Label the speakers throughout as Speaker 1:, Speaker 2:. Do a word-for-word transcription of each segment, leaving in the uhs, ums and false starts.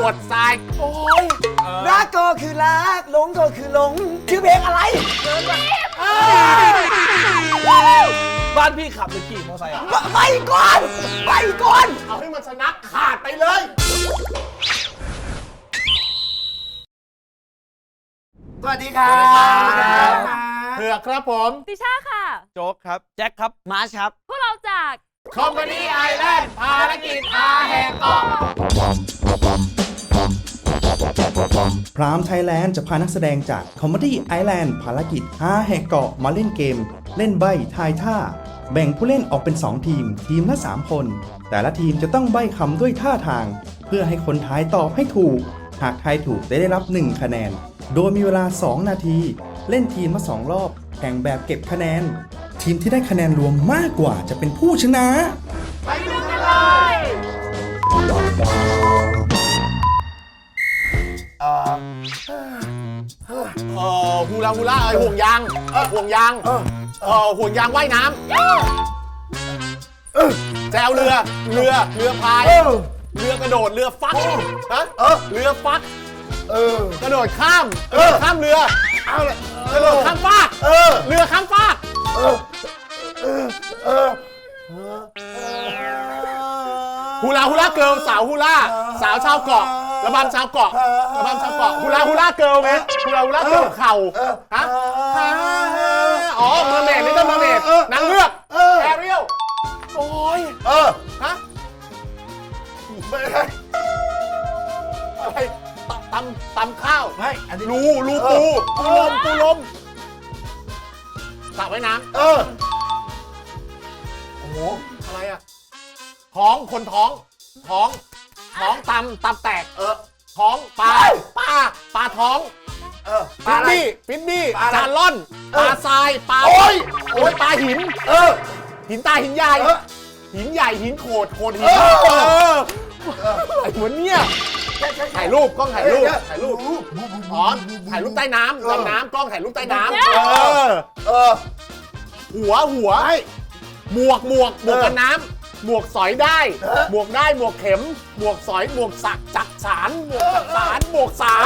Speaker 1: วดทรายโอ้ย
Speaker 2: รักก็คือรักหลงก็คือหลงชื่อเพลงอะไร
Speaker 3: บ้านพี่ขับหรือขี่มอเตอร์ไซค์อ่ะ
Speaker 2: ไปก่อนไปก่อน
Speaker 1: เอาให้มันชนะขาดไปเลย
Speaker 2: สวัสดีครับ
Speaker 1: เผือกครับผม
Speaker 4: ติช่าค่ะ
Speaker 3: โจ๊กครับ แจ็คครับ
Speaker 2: มาร์ชครับ
Speaker 4: พวกเราจาก
Speaker 1: คอมพานีไอแลนด์ภารกิจอาแหกเกาะ
Speaker 5: พรามไทยแลนด์จะพานักแสดงจาก Comedy Island ภารกิจห้าแหกเกาะมาเล่นเกม เล่นใบ้ทายท่า แบ่งผู้เล่นออกเป็นสองทีม ทีมละสามคน แต่ละทีมจะต้องใบ้คำด้วยท่าทาง เพื่อให้คนทายตอบให้ถูก หากทายถูกจะได้รับหนึ่งคะแนน โดยมีเวลาสองนาที เล่นทีมละสองรอบ แข่งแบบเก็บคะแนน ทีมที่ได้คะแนนรวมมากกว่าจะเป็นผู้ชนะ
Speaker 1: ไปดูกันเลย
Speaker 2: เอ่อ
Speaker 1: เออฮูลาฮูลาเอ้ยห่วงยางห่วงยางเออห่วงยางว่ายน้ำแจวเรือเรือเรือพายเรือกระโดดเรือฟักฮะเรือฟักกระโดดข้ามกระโดดข้ามเรือเอาเลยกระโดดข้ามฟากเรือข้ามฟากฮูลาฮูลาเกิร์ลสาวฮูลาสาวชาวเกาะระบำชาวเกาะระบำชาวเกาะฮูลาฮูลาเกิร์ลไหมฮูลาฮูลาเกิร์ลเข่าฮะอ๋อเมอร์เมดนี่ต้องเมอร์เมดนางเงือกแอเรียลโอ้ยเออฮะไม่ใช่อะไรตำตำข้าวไม่อันนี้รูรูปูปูลมปูลมสระว่ายน้ำเออโอ้โหอะไรอะท้องคนท้องท้องท้องตำตำแตกเออท้องปลาปลาปลาท้องเออฟินบี้ฟินบี้จานล่อนปลาทรายปลาโอ้ยโอ้ยปลาหินเออหินตาหินใหญ่หินใหญ่หินโขดโขดหินเออไอ้หัวเนี่ยถ่ายรูปกล้องถ่ายรูปถ่ายรูปอ๋อถ่ายรูปใต้น้ำดำน้ำกล้องถ่ายรูปใต้น้ำเออเออหัวหัวหมวกหมวกหมวกกันน้ำหมวกสอยได้หมวกได้หมวกเข็มหมวกสอยหมวกสักจักสารหมวกจักสารหมวกสาร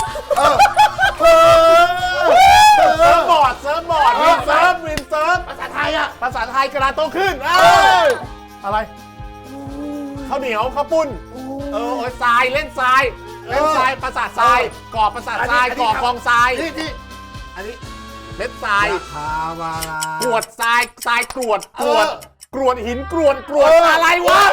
Speaker 1: เซิร์ฟบอร์ดเซิร์ฟบอร์ดวินเซิร์ฟวินเซิร์ฟภาษาไทยอะภาษาไทยกระดาษโตขึ้นอะไรข้าวเหนียวข้าวปุ้นเออโอ้ยทรายเล่นทรายเล่นทรายภาษาทรายก่อภาษาทรายก่อกองทรายนี่อันนี้เล่นทรายกรวดทรายทรายกรวดกรวดกรวดหินกรวดกรวดอะไรวะ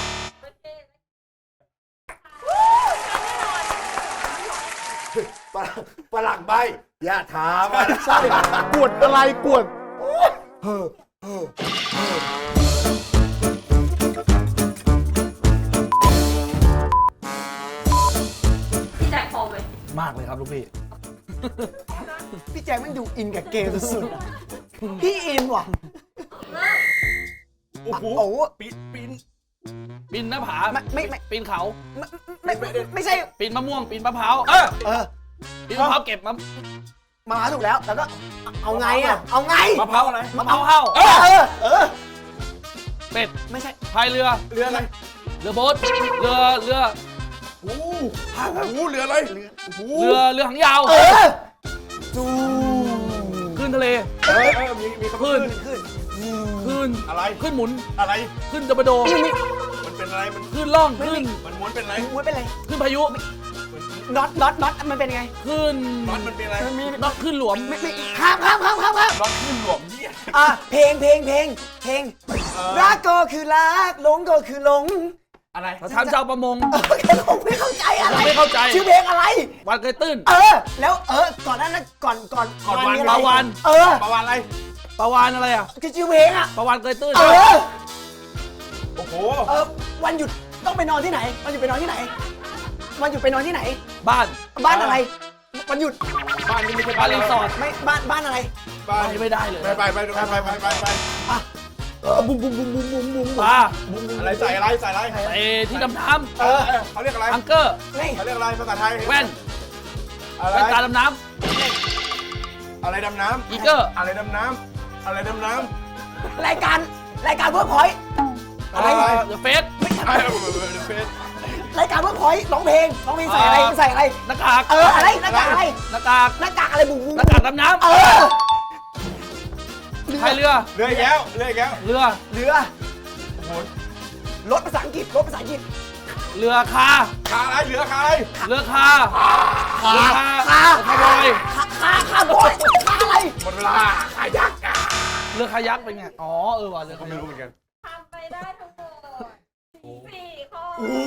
Speaker 1: ปลักใบอย่าถามใช่กรวดอะไรกรวด
Speaker 4: พี่แจ็คพอไหม
Speaker 3: มากเลยครับลูกพี่
Speaker 2: พี่แจ็คมันดูอินกับเกมสุดๆพี่อินว่ะ
Speaker 3: โอ้โห
Speaker 2: โอ้โห
Speaker 3: ปีนปีนปีนหน้าผา
Speaker 2: ไม่ไม่ไม่
Speaker 3: ปีนเขา
Speaker 2: ไม่ไม่ไม่ใช่
Speaker 3: ปีนมะม่วง ปีนมะพร้าว เออ
Speaker 2: เออ
Speaker 3: ปีนมะพร้าวเก็บมะ
Speaker 2: มาถูกแล้วแล้วก็เอาไงอ่ะเอาไง
Speaker 3: มะพร้าวอะไร มะพร้าวเห่า
Speaker 2: เออเออเออ
Speaker 3: เป็ด
Speaker 2: ไม่ใช่
Speaker 3: พายเรือ
Speaker 2: เรืออะไร
Speaker 3: เรือโบ๊ทเรือ เรือ
Speaker 2: โอ้โหเรืออะไรเรือ
Speaker 3: เรือ เรือหางยาว
Speaker 2: เออจู
Speaker 3: ขึ้นทะเล
Speaker 2: เออเออมีมี
Speaker 3: ขึ้น
Speaker 2: ขึ้น
Speaker 3: ขึ้น
Speaker 1: อะไร
Speaker 3: ขึ้นหมุน
Speaker 1: อะไร
Speaker 3: ขึ้นตะบโด
Speaker 1: มันเป็นอะไรมัน
Speaker 3: ขึ้นล่อง ขึ้น
Speaker 1: มันม้วนเป็นอะไร
Speaker 2: ม้วนเป็นไร
Speaker 3: ขึ้นพายุ
Speaker 2: น็อตน็อตน็อตมันเป็นไง
Speaker 3: ขึ้น
Speaker 1: มันมันเป็นอะไร
Speaker 2: มันมี
Speaker 3: น็อตขึ้นหลวม
Speaker 2: ไม่ไม่ข้ามข้ามข้ามข้ามข้าม
Speaker 1: รถขึ้นหลวมเนี่ย
Speaker 2: อ่ะเพลงเพลงเพลงเพลงรักก็คือรักหลงก็คือหลง
Speaker 1: อะไร
Speaker 3: ประธานเจ้าประมง
Speaker 2: เออผมไม่เข้าใจอะไร
Speaker 3: ไม่เข้าใจ
Speaker 2: ชื่อเพลงอะไร
Speaker 3: วันเคยตื้น
Speaker 2: เออ แล้วเออก่อนหนั้นนะก่อนก่อน
Speaker 3: ก่อนวัน
Speaker 2: มีะไร
Speaker 3: ปลาวาฬ
Speaker 2: เออ
Speaker 1: ประวันอะไร
Speaker 3: ประวานอะไรอ่ะ
Speaker 2: คือชื่อเพลงอ่ะ
Speaker 3: ประวานเคยตื้น
Speaker 2: เออ
Speaker 1: โอ้โห
Speaker 2: เออวันหยุดต้องไปนอนที่ไหนวันหยุดไปนอนที่ไหนวันหยุดไปนอนที่ไหน
Speaker 3: บ้าน
Speaker 2: บ้านอะไรวันหยุด
Speaker 1: บ้านนี้ไม่ใช่
Speaker 3: บ้านรีสอร์ท
Speaker 2: ไม่บ้านบ้านอะไร
Speaker 1: บ้าน
Speaker 3: อันนี้ไม่ได้เลย
Speaker 1: ไปไปไปไปไปไปไป
Speaker 2: เออบุ้มบุ้มบุ้มบุ้มบุ้มบุ้ม
Speaker 3: ปลา
Speaker 1: อะไรใส่อะไรใส่อะไร
Speaker 3: ไอ้ที่ดำน้
Speaker 1: เออเขาเรียกอะไร
Speaker 3: ำอังเกอร์
Speaker 2: นี่
Speaker 1: เขาเรียกอะไรภาษาไทย
Speaker 3: แว่น
Speaker 1: อะไร
Speaker 3: แว่นตาดำน้
Speaker 1: อะไรดำน้
Speaker 3: ำอีเกอร์
Speaker 1: ำอะไรดำน้ำอะไรดำน้ำ
Speaker 2: รายการรายการเวิร์กพอยต์
Speaker 3: อะไรเดอะเฟส
Speaker 1: ไอ้เฟส
Speaker 2: รายการเวิร์กพอยต์ร้องเพลงร้องเพลงใส่อะไรใส่อะไร
Speaker 3: หน้ากาก
Speaker 2: เอออะไรหน้ากากอะไร
Speaker 3: หน้ากาก
Speaker 2: หน้ากากอะไรบุ๋มบุ๋ม
Speaker 3: หน้ากากดำน้ำ
Speaker 2: เออ
Speaker 3: พายเรือ
Speaker 1: เรืออีกแล้วเรืออีกแล้ว
Speaker 3: เรือ
Speaker 2: เรือรถภาษาอังกฤษรถภาษาอังกฤษ
Speaker 3: เรือคา
Speaker 1: ขาอะไรเรือขาอะไร
Speaker 3: เรือคา
Speaker 1: ขา
Speaker 3: เรือคา
Speaker 2: คา
Speaker 3: เรือคาร์บอย
Speaker 2: คาคาคาบอยคาอะไร
Speaker 1: หมดเวลาขายักษ์อ่ะ
Speaker 3: เรือคายักเป็นไง อ๋อ เออว่ะเรือคา
Speaker 1: ไม่
Speaker 3: ยัก
Speaker 1: รู้เหมือนกัน
Speaker 4: ทำไปได้ทั้งหมดสี่ข้อ
Speaker 1: โอ้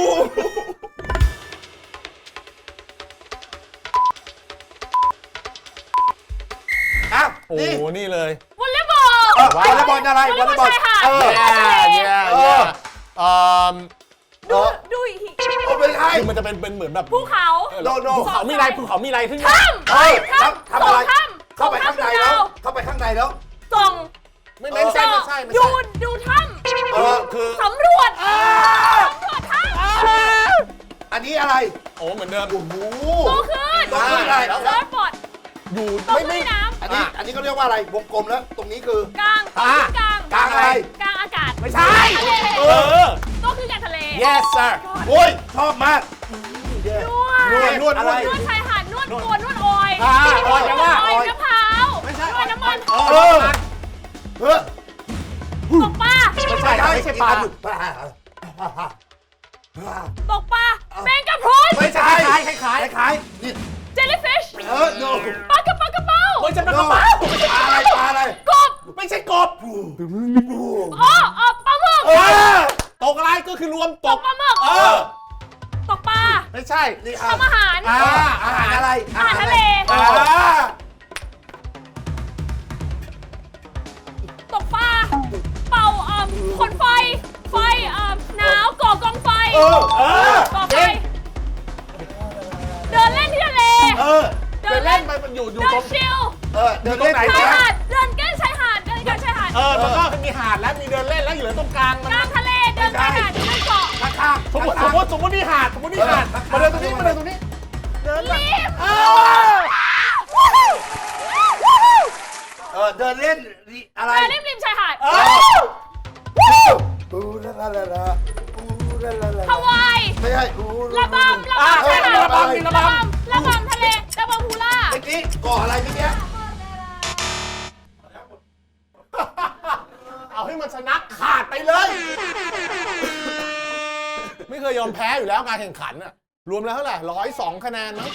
Speaker 1: อ้าวโอ้โหนี่เลย
Speaker 4: วอลเลย์บอล
Speaker 1: วอลเลย์บอลอะไรวอลเลย์บอล
Speaker 4: ชายหาด
Speaker 1: เออ
Speaker 4: ทะเล
Speaker 1: เย้เย้เอ่อ
Speaker 4: ดูดูอีกที
Speaker 1: โอ้ไม่ใช่คือมันจะเป็นเป็นเหมือนแบบ
Speaker 4: ภูเขา
Speaker 1: โนโนภูเขามีอะไรภูเขามีอะไรขึ้น
Speaker 4: ถ้ำ
Speaker 1: เฮ้ย
Speaker 4: ถ้ำ
Speaker 1: ทำอะไร
Speaker 4: ถ้ำ
Speaker 1: เข้าไปข้างในแล้ว เข้าไปข้างในแล้ว
Speaker 4: ส่อง
Speaker 1: ไม่ไม่ใช่ไม่ใช่ไม่
Speaker 4: ดู
Speaker 1: ใช่
Speaker 4: ดูถ้
Speaker 1: เออคือ
Speaker 4: ำสำรวจสำรวจถ้ำ
Speaker 1: อันนี้อะไร โอ้เหมือนเดิมโอ้โห
Speaker 4: โตขึ้น
Speaker 1: โตขึ้นอะไร
Speaker 4: เซิร์ฟบอร์ด
Speaker 1: อยู่
Speaker 4: โต
Speaker 1: ไม่
Speaker 4: ขึ้น
Speaker 1: ไม่
Speaker 4: ในน้ำ
Speaker 6: อันนี้อันนี้เขาเรียกว่าอะไรวงกลมแล้ว ตรงนี้คือก
Speaker 4: ลาง
Speaker 1: อ่ะ
Speaker 4: กลาง
Speaker 1: กลางอะไร
Speaker 4: กลางอากาศ
Speaker 1: ไม่ใช่
Speaker 4: ทะเล
Speaker 1: เออ
Speaker 4: โตขึ้นกลางทะเล
Speaker 1: yes sir
Speaker 6: โอ้ย ชอบมาก
Speaker 4: นวด
Speaker 1: นวดนวด
Speaker 6: อะไร
Speaker 4: นวดชายหาดนวดตัวนวดออย
Speaker 1: อ่าออยแปลว่า
Speaker 4: ออยมะพร้าว
Speaker 1: ไม่ใช่
Speaker 4: นวดน้ำมัน
Speaker 1: เอ
Speaker 6: เอ
Speaker 1: อ
Speaker 6: อเฮ้ย
Speaker 4: ตกปลา
Speaker 1: ไม่ใช่ไม่ใช่ปลา
Speaker 4: ตกปลาแมงกะพรุน
Speaker 6: ไม่ใช่
Speaker 1: คล้ายคล้าย
Speaker 6: คล้ายๆนี่
Speaker 4: เจลลี่ฟิช
Speaker 6: เออโน
Speaker 4: ปลากระป๋ากระเป๋า
Speaker 1: ไม่ใช่ปลากระเป๋า
Speaker 6: ปลาอะไรปลาอะไร
Speaker 4: กบ
Speaker 1: ไม่ใช่กบ
Speaker 4: อ๋ออ๋อปลาหมึก
Speaker 1: เออตกอะไรก็คือรวมต
Speaker 4: ต
Speaker 1: ก
Speaker 4: กปลาหมึก
Speaker 1: เออ
Speaker 4: ตกปลา
Speaker 1: ไม่ใช่
Speaker 6: นี่
Speaker 4: ทำอาหาร
Speaker 1: อ่า
Speaker 6: อาหารอะไร
Speaker 4: อาหารทะเล
Speaker 1: อ่า
Speaker 4: ตกปลา เป่าเอ่อขนไฟ ไฟเอ่อหนาวก่อกองไฟ
Speaker 1: เออเออ
Speaker 4: ก่อไฟ เดินเล่นที่ทะเล
Speaker 6: เออ
Speaker 4: เดิ
Speaker 1: เดิ
Speaker 4: น
Speaker 1: น
Speaker 4: เล่
Speaker 1: เล่
Speaker 4: น
Speaker 1: นไปมันอยู่อยู่
Speaker 4: เดิ
Speaker 1: ตร
Speaker 4: น
Speaker 1: ง
Speaker 4: ชิล
Speaker 6: เออ เดินเล่น
Speaker 1: ตรงไหน
Speaker 6: ไหน
Speaker 4: ชาย
Speaker 6: นะ
Speaker 4: หาด เดินเก้นชายหาด เดินกันชายหาด
Speaker 1: เออแล้วก็มีหาดแล้วมีเดินเล่นแล้วอยู่ตรงกลางมัน
Speaker 4: กลางทะเล เดินชายหาด เดินเกาะ
Speaker 6: ข้างข้าง
Speaker 1: สมมติสมมติสมมตินี่หาดสมมตินี่หาดมาเดินตรงนี้มาเดินตรงนี้ เดินแบบ
Speaker 4: รีบ
Speaker 1: เออ
Speaker 6: เออ เดินเล่นอะไร
Speaker 4: เดินริมริมชายหาด
Speaker 1: เออ
Speaker 6: อูลาลาลาลาอูลาลาลา
Speaker 4: ฮาวาย
Speaker 6: ไม่ใช่อู
Speaker 4: ระบำระ
Speaker 1: อ่ะ
Speaker 4: บำชายหาด
Speaker 1: ระบำมีระบำ
Speaker 4: ระบำทะเล ระบำฮูล่า
Speaker 6: เมื่อกี้เกาะอะไรเมื่อกี้
Speaker 1: เอาให้มันชนะขาดไปเลย ไม่เคยยอมแพ้อยู่แล้วการแข่งขันอะรวมแล้วเท่าไหร่ร้อยสองคะแนนมั้ง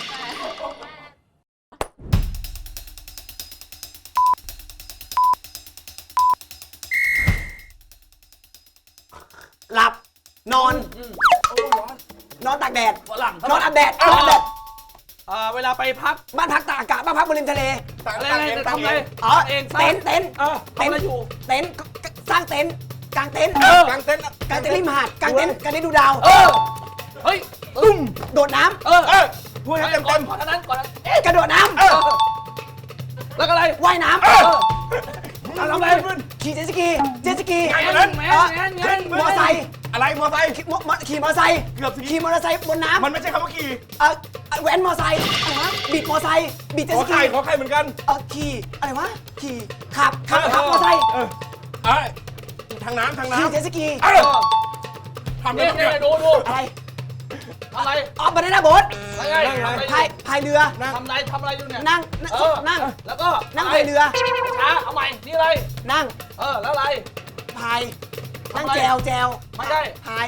Speaker 2: หลับ นอน นอนตากแดด
Speaker 3: ฝรั่ง
Speaker 2: นอนอาบแดดนอนอาบแดด
Speaker 3: อ่าเวลาไปพัก
Speaker 2: บ้านพักตากอากาศบ้านพักบนริมทะเล
Speaker 3: อะไรอะไรจะทำอะไร
Speaker 2: อ๋อ
Speaker 3: เองสร้าง
Speaker 2: เต็นท์เต็นท์
Speaker 3: เออทำอะไรอยู่
Speaker 2: เต็นท์สร้างเต็นท์กางเต็นท์
Speaker 3: เออ
Speaker 1: กางเต็นท์
Speaker 2: กางเต็นท์ริมหาดกางเต็นท์กางเต็นท์ดูดาว
Speaker 3: เออ เฮ้ย
Speaker 2: ตุ้มโดดน้
Speaker 3: เออ
Speaker 1: เออ
Speaker 3: พูดให้เต็มเต็มก่อนนั้นก่อนนั้น
Speaker 2: ำกระโดดน้
Speaker 3: เออ แล้วก็อะไร
Speaker 2: ำว่ายน้
Speaker 3: เออทำอะไร
Speaker 2: ำขี่เจ็ตสกีเจ็ตสกี
Speaker 3: แงนแงนแงนแงน
Speaker 2: มอไซค์
Speaker 1: อะไรมอไซค์
Speaker 2: ขี่มอมอขี่มอไซค์
Speaker 1: เกือบสิ
Speaker 2: ขี่มอเตอร์ไซค์บนน้ำ
Speaker 1: มันไม่ใช่คำว่าขี่
Speaker 2: เออแว้นมอไซค์อะไรวะบิดมอไซค์บิดเจ็ต
Speaker 1: ข
Speaker 2: ส
Speaker 1: อ
Speaker 2: กี
Speaker 1: ไข่ขอไข่เหมือนกัน
Speaker 2: เออขี่อะไรวะขี่ขับขับขับมอไซค์
Speaker 1: เออเอ้ยทางน้ำทาง
Speaker 2: ขี่
Speaker 1: น้ำ
Speaker 2: เจ็ตสกี
Speaker 1: เอ
Speaker 3: เอ
Speaker 1: อ
Speaker 3: อ
Speaker 1: ทำได้
Speaker 3: เนี่ย
Speaker 1: ทุก
Speaker 3: เนี่
Speaker 1: อย ย่าง
Speaker 3: ดูดู
Speaker 2: อะไร
Speaker 3: อะไร
Speaker 2: อ๋อบานาน่าโบ๊ท
Speaker 3: อะไร
Speaker 1: นั่งไง
Speaker 2: พายพายเรือ
Speaker 3: ทำอะไรทำอะไรอยู่เนี่ย
Speaker 2: นั่งนั่ง
Speaker 3: เออ
Speaker 2: นั่ง
Speaker 3: แล้วก็
Speaker 2: นั่งพายเรือ
Speaker 3: ช้าเอาใหม่นี่อะไร
Speaker 2: นั่ง
Speaker 3: เออแล้วอะไร
Speaker 2: พายนั่ง
Speaker 3: ทำอะไร
Speaker 2: แจวแจว
Speaker 3: ไม่ใช่
Speaker 2: พาย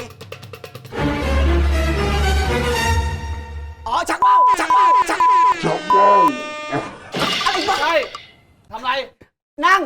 Speaker 2: อ๋อชักว่าวชักว่าวชักชักว่าวอะไรวะ
Speaker 3: ใช่ทำอะไร
Speaker 2: นั่ง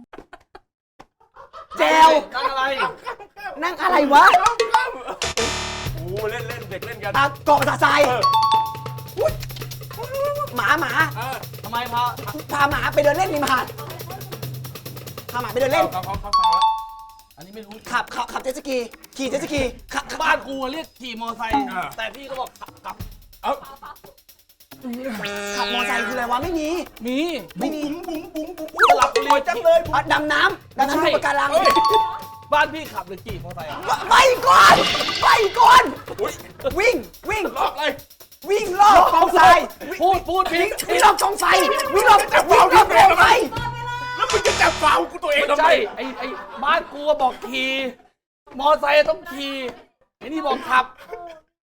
Speaker 2: แจว
Speaker 3: นั่งอะไร
Speaker 2: นั่งอะไรวะ
Speaker 1: โอ้เล่นเล่นเด็กเล่นกัน
Speaker 2: อ่ะเกาะภาษาทราย
Speaker 1: เออ
Speaker 2: อุ๊ยหมาหมา
Speaker 1: เออ
Speaker 3: ทำไมพา
Speaker 2: พาหมาไปเดินเล่นริมหาดพาหมาไปเดินเล่น
Speaker 1: เขาเขาเขาฟังแล้ว
Speaker 3: อันนี้ไม่รู้
Speaker 2: ขับขับขับเจ็ตสกีขี่เจ็ตสกีขับขับ
Speaker 3: บ้านกูเรียกขี่มอไซค์แต่พี่ก็บอกขับขับ
Speaker 1: เอ้า
Speaker 2: ขับมอไซค์คืออะไรวะไม่มี
Speaker 3: มี
Speaker 2: ไม่มี
Speaker 3: สลับบุรีจังเลย
Speaker 2: อ่ะดำน้ำดำน้ำดูปะการัง
Speaker 3: บ้านพี่ขับหรือขี่มอไซค์อ่ะ
Speaker 2: ไปก่อนไปก่อน
Speaker 1: อุ้ย
Speaker 2: วิ่งวิ่ง
Speaker 1: รอบเลย
Speaker 2: วิ่งรอบกองทราย
Speaker 3: พูดพูด
Speaker 2: วิ่
Speaker 3: พี่
Speaker 2: งวิ่งรอบกองไฟวิ่งรอบวิ่งรอบกองไฟ
Speaker 1: แล้วมึงจะจับฟาวกูตัวเอง
Speaker 3: ไม่
Speaker 1: ทำไม
Speaker 3: ใช่ไอ้ไอ้บ้านกูบอกขี่มอไซค์ต้องขี่ไอ้นี่บอกขับ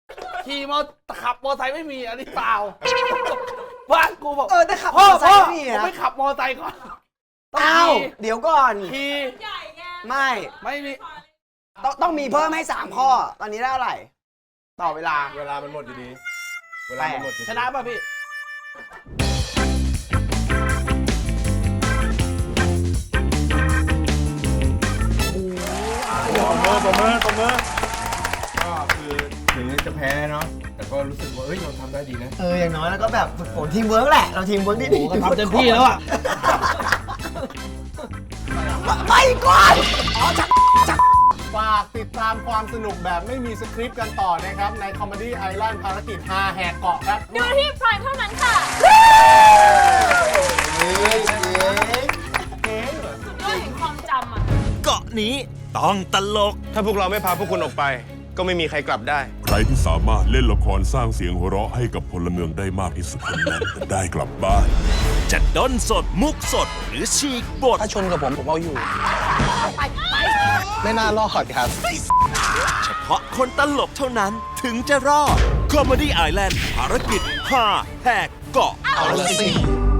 Speaker 3: ขี่มอขับมอไซค์ไม่มีอันนี้เปล่าบ้านกูบอก
Speaker 2: เออแต่ขับม
Speaker 3: พ่อ
Speaker 2: อไซ
Speaker 3: พ่อ
Speaker 2: ค์ไม่มี
Speaker 3: ผม
Speaker 2: นะ
Speaker 3: ไม่ขับมอไซค์ก่อนต้อง
Speaker 2: อ้าว
Speaker 3: ขี่
Speaker 2: เดี๋ยวก่อน
Speaker 3: ขี่
Speaker 4: ใหญ่ไง
Speaker 2: ไม่
Speaker 3: ไม่มี
Speaker 2: ต้องต้องมีเพิ่มให้สามข้อ ตอนนี้ได้เท่าไหร่ต่อเวลา
Speaker 1: เวลามันหมดอยู่ดีเวลามันหมดอยู่ดี
Speaker 3: ชนะป่ะพี่
Speaker 1: ปมมือปมมือปมมือ
Speaker 6: ก็คือถึงจะแพ้เนาะแต่ก็รู้สึกว่าเอ้ยเราทำได้ดีนะ
Speaker 2: เอออย่างน้อยแล้วก็แบบฝึกฝนทีมเวิร์กแหละ เราทีมเวิร์กดี
Speaker 3: โอ้โหก็ทำเต็มที่แล้วอ่ะ
Speaker 2: ไปก่อนอ๋อชัก
Speaker 1: ฝากติดตามความสนุกแบบไม่มีสคริปต์กันต่อนะครับ ใน Comedy Island ภารกิจฮาแหกเกาะครับ
Speaker 4: ดูที่พรายเท่านั้นค่ะด้วยแห่งความจำอ่ะ
Speaker 7: เกาะนี้ต้องตลก
Speaker 8: ถ้าพวกเราไม่พาพวกคุณออกไป ก็ไม่มีใครกลับได้
Speaker 9: ใครที่สามารถเล่นละครสร้างเสียงหัวเราะให้กับพลเมืองได้มากที่สุดคนนั้นจะได้กลับบ้าน
Speaker 7: จะด้นสดมุกสดหรือฉีกบท
Speaker 3: ถ้าชนกับผมผมเอาอยู่
Speaker 1: ไม่น่ารอดครับ
Speaker 7: เฉพาะคนตลกเท่านั้นถึงจะรอด Comedy Island ภารกิจห้าแหกเกาะ
Speaker 1: เอาละสิ